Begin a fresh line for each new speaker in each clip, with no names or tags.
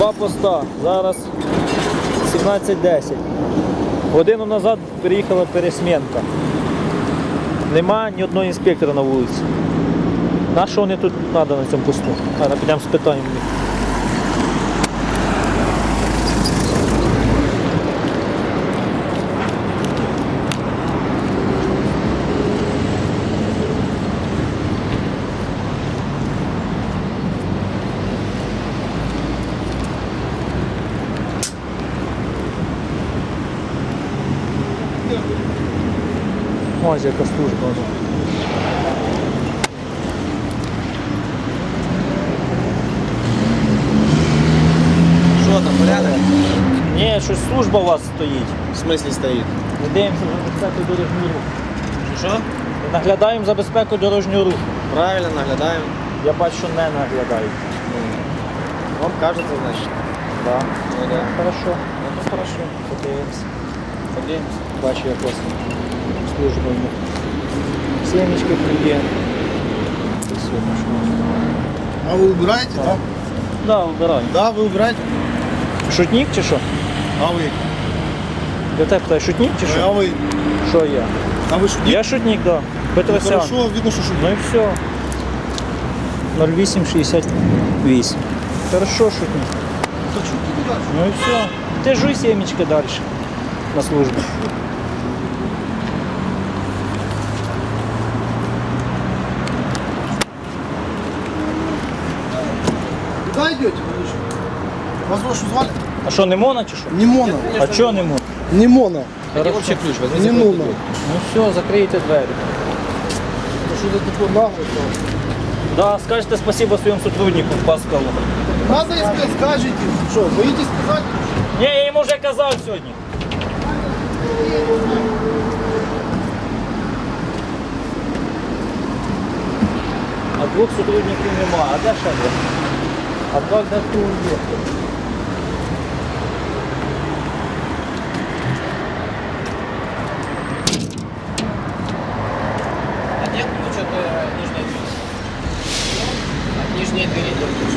Два поста. Зараз 17:10. Годину назад приїхала пересмінка. Нема ні одного інспектора на вулиці. На що вони тут треба на цьому посту? Зараз підемо спитаємо. Ось яка служба.
Що там, порядок?
Ні, щось служба у вас стоїть.
В смислі стоїть?
Ми дивимося за безпеку дорожнього руху.
Що?
Ми наглядаємо за безпеку дорожнього руху.
Правильно, наглядаємо.
Я бачу, що не наглядають.
Вам кажется, значить.
Да.
Ну да.
Хорошо.
Ну хорошо.
Подивимося.
Подивимось.
Бачу, як у вас служба в них. Семечки клює.
А вы убираете, да?
Да, вибираю.
Да, вы убираете.
Шутник чи що?
А вы?
Я тебе питаю, шутник чи
А
що?
вы?
Що я?
А вы шутник?
Я шутник, да.
Ну,
Петросян.
хорошо, видно, что шутник.
Ну і все. 0868. Хорошо, шутник.
Да шутник не дальше.
Ну і все. Ти жуй семечки далі на службі.
Куда идете? Вас что звали?
А що, не мона чи що?
Не Мона.
А чого не мона?
Не Мона.
Хотите общий ключ, возьмите.
Не Мона.
Ну все, закрийте двері.
Это что-то такое наглое.
Да, скажете спасибо своєму сотруднику Паскалу.
Надо, если скажете. Что, боитесь сказать?
Ні, я йому вже казав сьогодні. А двох сотрудників нема. А де ще є? А два де хто є?
А нет, ну что-то нижняя дверь. От нижней двери идет ключ.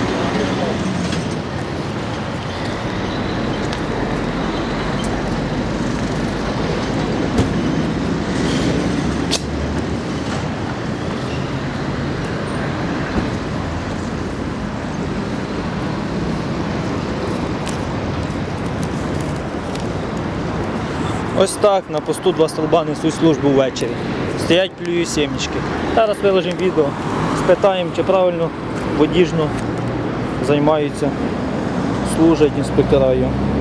Ось так, на посту два столба несуть службу ввечері. Стоять, плюють сімечки. Зараз виложимо відео, спитаємо, чи правильно водіжно займаються, служать інспектора.